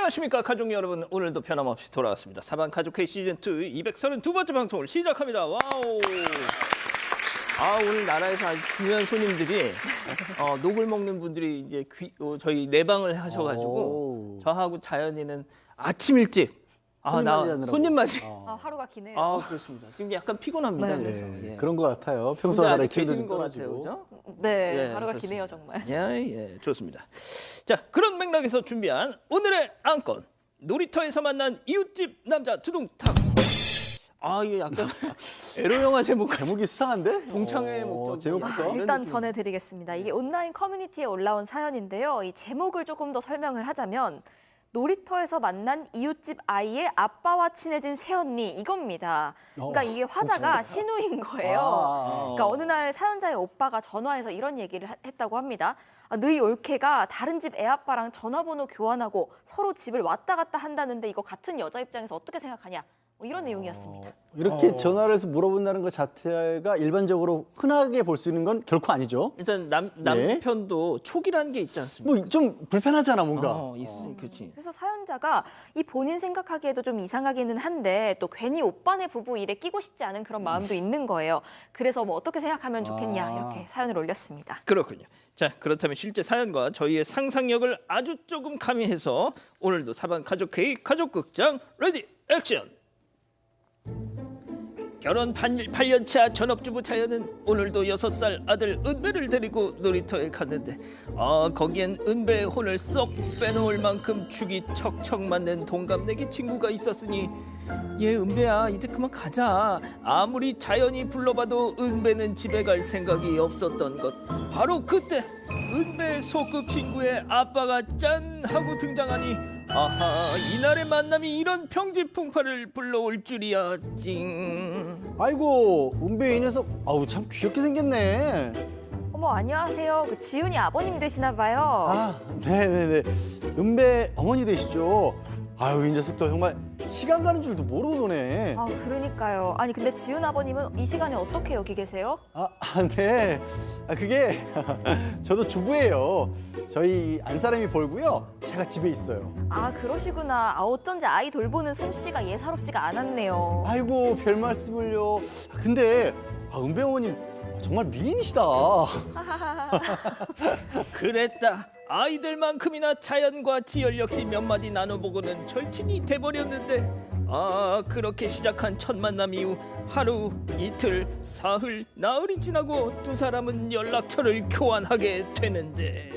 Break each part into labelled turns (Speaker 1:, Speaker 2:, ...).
Speaker 1: 안녕하십니까 가족 여러분. 오늘도 변함없이 돌아왔습니다. 사반 가족회 시즌2 232번째 방송을 시작합니다. 와우. 오늘 나라에서 아주 중요한 손님들이 녹을 먹는 분들이 이제 저희 내방을 하셔가지고 저하고 자연이는 아침 일찍 손님 맞이.
Speaker 2: 하루가 기네요.
Speaker 1: 그렇습니다. 지금 약간 피곤합니다.
Speaker 3: 네,
Speaker 1: 그래서
Speaker 3: 그런 것 같아요. 평소와 다르게 기운도
Speaker 1: 계신
Speaker 3: 좀
Speaker 1: 것 같아요,
Speaker 3: 떨어지고.
Speaker 1: 그죠?
Speaker 2: 네,
Speaker 1: 그렇습니다.
Speaker 2: 하루가 기네요 정말.
Speaker 1: 예, 좋습니다. 자, 그런 맥락에서 준비한 오늘의 안건. 놀이터에서 만난 이웃집 남자 두둥탁. 이게 약간 에로 영화
Speaker 3: 제목이 수상한데?
Speaker 1: 동창회 목적.
Speaker 3: 제목부터.
Speaker 2: 일단 전해드리겠습니다. 이게 온라인 커뮤니티에 올라온 사연인데요. 이 제목을 조금 더 설명을 하자면 놀이터에서 만난 이웃집 아이의 아빠와 친해진 새언니 이겁니다. 그러니까 이게 화자가 신우인 거예요. 그러니까 어느 날 사연자의 오빠가 전화해서 이런 얘기를 했다고 합니다. 너희 올케가 다른 집 애아빠랑 전화번호 교환하고 서로 집을 왔다 갔다 한다는데 이거 같은 여자 입장에서 어떻게 생각하냐? 뭐 이런 내용이었습니다.
Speaker 3: 이렇게 전화를 해서 물어본다는 것 자체가 일반적으로 흔하게 볼 수 있는 건 결코 아니죠.
Speaker 1: 일단 남편도 촉이라는 게 있지 않습니까?
Speaker 3: 뭐 좀 불편하잖아 뭔가.
Speaker 1: 그렇지.
Speaker 2: 그래서 사연자가 이 본인 생각하기에도 좀 이상하기는 한데 또 괜히 오빠네 부부 일에 끼고 싶지 않은 그런 마음도 있는 거예요. 그래서 뭐 어떻게 생각하면 좋겠냐 이렇게 사연을 올렸습니다.
Speaker 1: 그렇군요. 자, 그렇다면 실제 사연과 저희의 상상력을 아주 조금 가미해서 오늘도 사반 가족회의 가족극장 레디 액션. 결혼 8년차 전업주부 자연은 오늘도 6살 아들 은배를 데리고 놀이터에 갔는데 거기엔 은배의 혼을 쏙 빼놓을 만큼 죽이 척척 맞는 동갑내기 친구가 있었으니 은배야 이제 그만 가자. 아무리 자연이 불러봐도 은배는 집에 갈 생각이 없었던 것. 바로 그때 은배의 소꿉 친구의 아빠가 짠 하고 등장하니 이날의 만남이 이런 평지풍파를 불러올 줄이야. 찡.
Speaker 3: 아이고 은배 이 녀석 참 귀엽게 생겼네.
Speaker 2: 어머 안녕하세요. 그 지훈이 아버님 되시나 봐요.
Speaker 3: 네네네. 은배 어머니 되시죠? 이 녀석도 정말 시간 가는 줄도 모르고 노네.
Speaker 2: 그러니까요. 아니 근데 지훈 아버님은 이 시간에 어떻게 여기 계세요?
Speaker 3: 네. 그게 저도 주부예요. 저희 안사람이 벌고요. 제가 집에 있어요.
Speaker 2: 그러시구나. 어쩐지 아이 돌보는 솜씨가 예사롭지가 않았네요.
Speaker 3: 아이고 별 말씀을요. 근데 은배 어머님 정말 미인이시다.
Speaker 1: 그랬다. 아이들만큼이나 자연과 지열 역시 몇 마디 나눠보고는 절친이 돼버렸는데 그렇게 시작한 첫 만남 이후 하루, 이틀, 사흘, 나흘이 지나고 두 사람은 연락처를 교환하게 되는데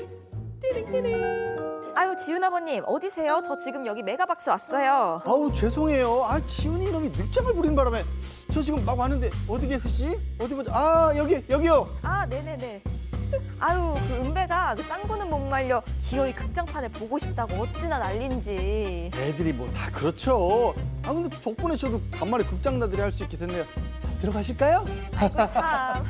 Speaker 2: 아유 지훈 아버님 어디세요? 저 지금 여기 메가박스 왔어요.
Speaker 3: 죄송해요. 지훈이 이놈이 늑장을 부린 바람에 저 지금 막 왔는데 어디 계시지? 어디 보자. 여기요.
Speaker 2: 네네네. 그 은배가 그 짱구는 못 말려 기어이 극장판에 보고 싶다고 어찌나 난린지.
Speaker 3: 애들이 뭐 다 그렇죠. 근데 덕분에 저도 간만에 극장 나들이 할 수 있게 됐네요. 자, 들어가실까요?
Speaker 2: 아이고 참.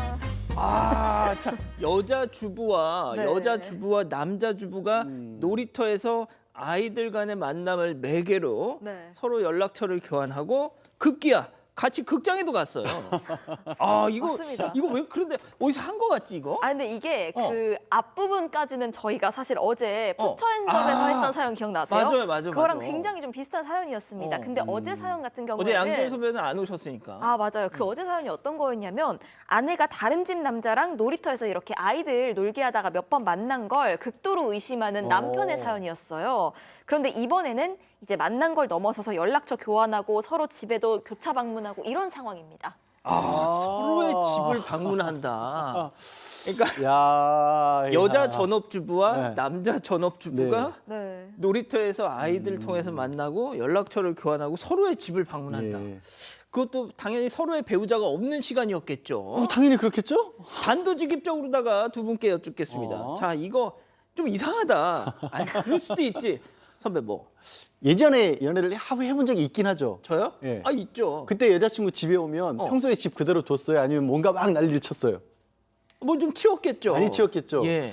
Speaker 1: 참 여자 주부와 남자 주부가 놀이터에서 아이들 간의 만남을 매개로 서로 연락처를 교환하고 급기야 같이 극장에도 갔어요.
Speaker 2: 맞습니다.
Speaker 1: 이거 왜 그런데 어디서 한 거 같지 이거?
Speaker 2: 근데 이게 그 앞부분까지는 저희가 사실 어제 부처연점에서 했던 사연 기억나세요?
Speaker 1: 맞아요.
Speaker 2: 그거랑 굉장히 좀 비슷한 사연이었습니다. 근데 어제 사연 같은 경우에는
Speaker 1: 어제 양준 선배는 안 오셨으니까.
Speaker 2: 맞아요. 그 어제 사연이 어떤 거였냐면 아내가 다른 집 남자랑 놀이터에서 이렇게 아이들 놀게 하다가 몇 번 만난 걸 극도로 의심하는 남편의 사연이었어요. 그런데 이번에는 이제 만난 걸 넘어서서 연락처 교환하고 서로 집에도 교차 방문하고 이런 상황입니다.
Speaker 1: 서로의 집을 방문한다. 그러니까 여자 전업주부와 남자 전업주부가 놀이터에서 아이들을 통해서 만나고 연락처를 교환하고 서로의 집을 방문한다. 그것도 당연히 서로의 배우자가 없는 시간이었겠죠.
Speaker 3: 당연히 그렇겠죠?
Speaker 1: 단도직입적으로다가 두 분께 여쭙겠습니다. 자, 이거 좀 이상하다. 그럴 수도 있지. 선배 뭐?
Speaker 3: 예전에 연애를 해본 적이 있긴 하죠.
Speaker 1: 저요?
Speaker 3: 예.
Speaker 1: 있죠.
Speaker 3: 그때 여자친구 집에 오면 평소에 집 그대로 뒀어요? 아니면 뭔가 막 난리를 쳤어요?
Speaker 1: 뭐 좀 치웠겠죠.
Speaker 3: 많이 치웠겠죠.
Speaker 1: 예.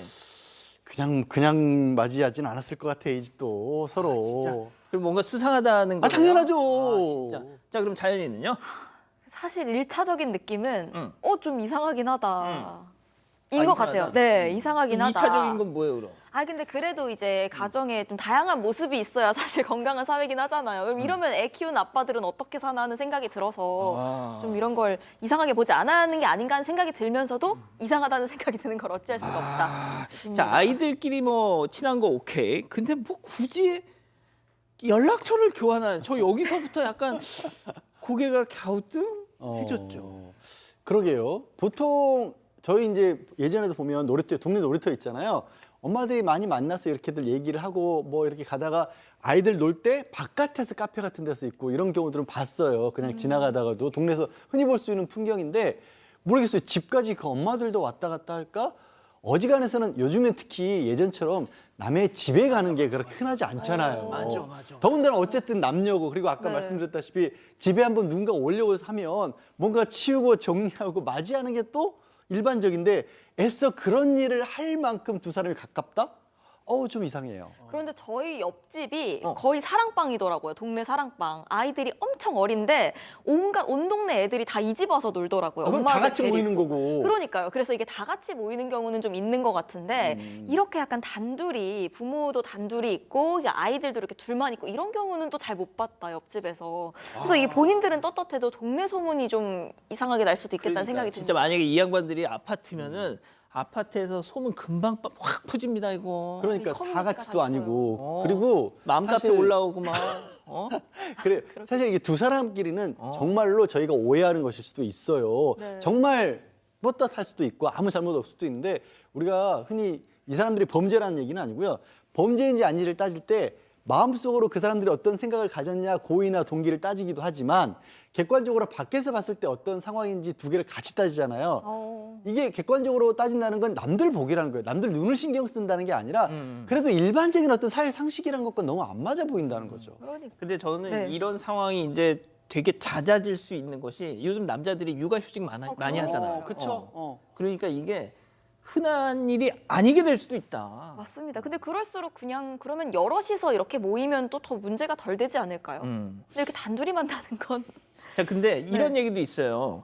Speaker 3: 그냥 맞이하진 않았을 것 같아 이 집도 서로.
Speaker 1: 진짜. 그럼 뭔가 수상하다는 거예요?
Speaker 3: 당연하죠.
Speaker 1: 진짜. 자, 그럼 자연이는요?
Speaker 2: 사실 1차적인 느낌은 좀 이상하긴 하다. 것 같아요. 네, 이상하긴 하다.
Speaker 1: 2차적인 건 뭐예요, 그럼?
Speaker 2: 근데 그래도 이제 가정에 좀 다양한 모습이 있어야 사실 건강한 사회긴 하잖아요. 그럼 이러면 애 키우는 아빠들은 어떻게 사나 하는 생각이 들어서 좀 이런 걸 이상하게 보지 않는 게 아닌가 하는 생각이 들면서도 이상하다는 생각이 드는 걸 어찌할 수가 없다.
Speaker 1: 자, 아이들끼리 뭐 친한 거 오케이. 근데 뭐 굳이 연락처를 교환하는, 저 여기서부터 약간 고개가 갸우뚱해졌죠.
Speaker 3: 그러게요. 보통 저희 이제 예전에도 보면 놀이터, 동네 놀이터 있잖아요. 엄마들이 많이 만나서 이렇게들 얘기를 하고 뭐 이렇게 가다가 아이들 놀 때 바깥에서 카페 같은 데서 있고 이런 경우들은 봤어요. 그냥 지나가다가도 동네에서 흔히 볼 수 있는 풍경인데 모르겠어요. 집까지 그 엄마들도 왔다 갔다 할까? 어지간해서는 요즘엔 특히 예전처럼 남의 집에 가는 게 그렇게 흔하지 않잖아요.
Speaker 1: 맞아.
Speaker 3: 더군다나 어쨌든 남녀고 그리고 아까
Speaker 2: 네.
Speaker 3: 말씀드렸다시피 집에 한번 누군가 오려고 하면 뭔가 치우고 정리하고 맞이하는 게 또 일반적인데 애써 그런 일을 할 만큼 두 사람이 가깝다? 좀 이상해요.
Speaker 2: 그런데 저희 옆집이 거의 사랑방이더라고요. 동네 사랑방. 아이들이 엄청 어린데 온 동네 애들이 다 이 집 와서 놀더라고요.
Speaker 3: 그건 다
Speaker 2: 엄마들
Speaker 3: 같이
Speaker 2: 데리고.
Speaker 3: 모이는 거고.
Speaker 2: 그러니까요. 그래서 이게 다 같이 모이는 경우는 좀 있는 것 같은데 이렇게 약간 단둘이 부모도 단둘이 있고 아이들도 이렇게 둘만 있고 이런 경우는 또 잘 못 봤다 옆집에서. 그래서 이게 본인들은 떳떳해도 동네 소문이 좀 이상하게 날 수도 있겠다는 생각이
Speaker 1: 진짜
Speaker 2: 듭니다.
Speaker 1: 만약에 이 양반들이 아파트면은 아파트에서 소문 금방 확 퍼집니다, 이거.
Speaker 3: 그러니까
Speaker 2: 이
Speaker 3: 다
Speaker 2: 커뮤니티가
Speaker 3: 같이도
Speaker 2: 다 있어요.
Speaker 3: 아니고 그리고
Speaker 1: 맘카페
Speaker 3: 사실
Speaker 1: 올라오고 막.
Speaker 3: 그래 사실 이게 두 사람끼리는 정말로 저희가 오해하는 것일 수도 있어요.
Speaker 2: 네.
Speaker 3: 정말 떳떳할 수도 있고 아무 잘못 없을 수도 있는데 우리가 흔히 이 사람들이 범죄라는 얘기는 아니고요. 범죄인지 아닌지를 따질 때 마음속으로 그 사람들이 어떤 생각을 가졌냐 고의나 동기를 따지기도 하지만 객관적으로 밖에서 봤을 때 어떤 상황인지 두 개를 같이 따지잖아요. 이게 객관적으로 따진다는 건 남들 보기라는 거예요. 남들 눈을 신경 쓴다는 게 아니라 그래도 일반적인 어떤 사회 상식이라는 것과 너무 안 맞아 보인다는 거죠.
Speaker 2: 그러니까.
Speaker 1: 근데 저는
Speaker 2: 네.
Speaker 1: 이런 상황이 이제 되게 잦아질 수 있는 것이 요즘 남자들이 육아휴직 많이 하잖아요.
Speaker 3: 그렇죠.
Speaker 1: 그러니까 이게 흔한 일이 아니게 될 수도 있다.
Speaker 2: 맞습니다. 근데 그럴수록 그냥 그러면 여럿이서 이렇게 모이면 또 더 문제가 덜 되지 않을까요? 근데 이렇게 단둘이 만나는 건
Speaker 1: 자, 근데 이런 얘기도 있어요.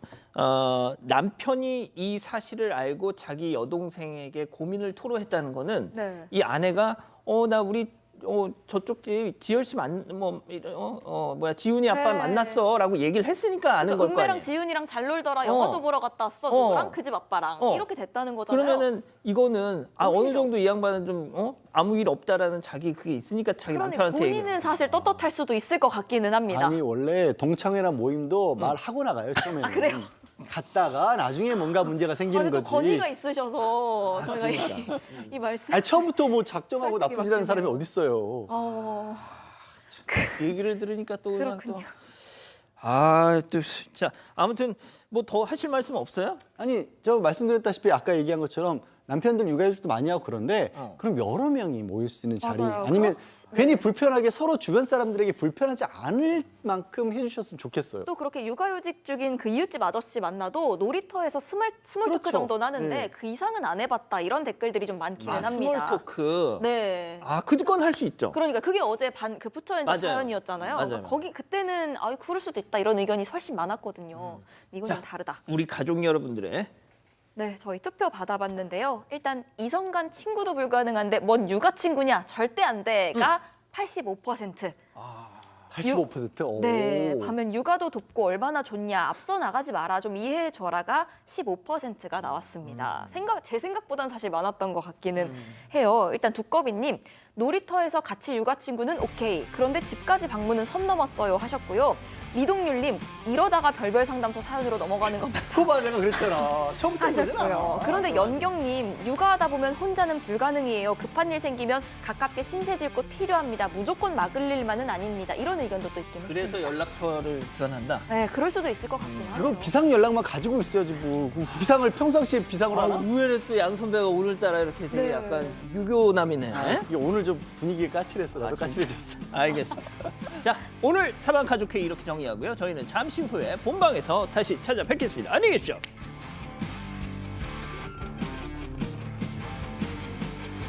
Speaker 1: 남편이 이 사실을 알고 자기 여동생에게 고민을 토로했다는 거는
Speaker 2: 네.
Speaker 1: 이 아내가 나 우리 저쪽 집 지열 씨 지훈이 아빠
Speaker 2: 네.
Speaker 1: 만났어라고 얘기를 했으니까 아는 걸 거
Speaker 2: 은배랑
Speaker 1: 아니에요.
Speaker 2: 지훈이랑 잘 놀더라. 영화도 보러 갔다 왔어. 누구랑 그 집 아빠랑 이렇게 됐다는 거잖아요.
Speaker 1: 그러면은 이거는 어느
Speaker 2: 오히려.
Speaker 1: 정도 이 양반은 좀 아무 일 없다라는 자기 그게 있으니까 자기
Speaker 2: 그러니까
Speaker 1: 남편한테
Speaker 2: 본인은
Speaker 1: 얘기해요.
Speaker 2: 사실 떳떳할 수도 있을 것 같기는 합니다.
Speaker 3: 아니 원래 동창회나 모임도 말하고 나가요 처음에는.
Speaker 2: 그래요?
Speaker 3: 갔다가 나중에 뭔가 문제가 생기는
Speaker 2: 아니 또
Speaker 3: 거지.
Speaker 2: 건의가 있으셔서 저희가 이 말씀.
Speaker 3: 아니 처음부터 뭐 작정하고
Speaker 2: 설득이
Speaker 3: 나쁜 짓 하는 사람이
Speaker 2: 막히네요.
Speaker 3: 어딨어요.
Speaker 1: 얘기를 들으니까 또 그냥
Speaker 2: 그렇군요.
Speaker 1: 또 진짜 아무튼 뭐 더 하실 말씀 없어요?
Speaker 3: 아니 저 말씀드렸다시피 아까 얘기한 것처럼 남편들 육아휴직도 많이 하고 그런데 그럼 여러 명이 모일 수 있는 자리
Speaker 2: 맞아요.
Speaker 3: 아니면
Speaker 2: 그렇지.
Speaker 3: 괜히
Speaker 2: 네.
Speaker 3: 불편하게 서로 주변 사람들에게 불편하지 않을 만큼 해주셨으면 좋겠어요.
Speaker 2: 또 그렇게 육아휴직 중인 그 이웃집 아저씨 만나도 놀이터에서 스몰 토크
Speaker 3: 그렇죠.
Speaker 2: 정도는 하는데
Speaker 3: 네.
Speaker 2: 그 이상은 안 해봤다 이런 댓글들이 좀 많기는 합니다.
Speaker 1: 스몰 토크.
Speaker 2: 네.
Speaker 1: 그건 할 수 있죠.
Speaker 2: 그러니까 그게 어제 그 부처연장
Speaker 1: 맞아요.
Speaker 2: 사연이었잖아요.
Speaker 1: 맞아요.
Speaker 2: 거기 그때는 그럴 수도 있다 이런 의견이 훨씬 많았거든요. 이건 좀 다르다.
Speaker 1: 우리 가족 여러분들의
Speaker 2: 네, 저희 투표 받아봤는데요. 일단 이성 간 친구도 불가능한데 뭔 육아 친구냐 절대 안 돼가 85%.
Speaker 3: 85%? 오.
Speaker 2: 네, 반면 육아도 돕고 얼마나 좋냐, 앞서 나가지 마라, 좀 이해해줘라가 15%가 나왔습니다. 제 생각보단 사실 많았던 것 같기는 해요. 일단 두꺼비님, 놀이터에서 같이 육아 친구는 오케이. 그런데 집까지 방문은 선 넘었어요 하셨고요. 리동률님, 이러다가 별별 상담소 사연으로 넘어가는 겁니다.
Speaker 3: 그거 내가 그랬잖아. 처음부터
Speaker 2: 하셨고요.
Speaker 3: 그러잖아.
Speaker 2: 그런데 연경님, 육아하다 보면 혼자는 불가능이에요. 급한 일 생기면 가깝게 신세질꽃 필요합니다. 무조건 막을 일만은 아닙니다. 이런 의견도 또 있긴
Speaker 1: 그래서
Speaker 2: 했습니다.
Speaker 1: 연락처를 교환한다.
Speaker 2: 네, 그럴 수도 있을 것 같긴 하네요.
Speaker 3: 그건 비상 연락만 가지고 있어야지 뭐. 그 비상을 평상시에 비상으로 하나?
Speaker 1: 의외로 또 양 선배가 오늘따라 이렇게 되게
Speaker 2: 네.
Speaker 1: 약간 유교남이네.
Speaker 3: 이게 오늘 좀 분위기가 까칠했어. 나도 까칠해졌어.
Speaker 1: 알겠습니다. 자, 오늘 사방 가족회의 이렇게 정리하고요. 저희는 잠시 후에 본방에서 다시 찾아뵙겠습니다. 안녕히 계십시오.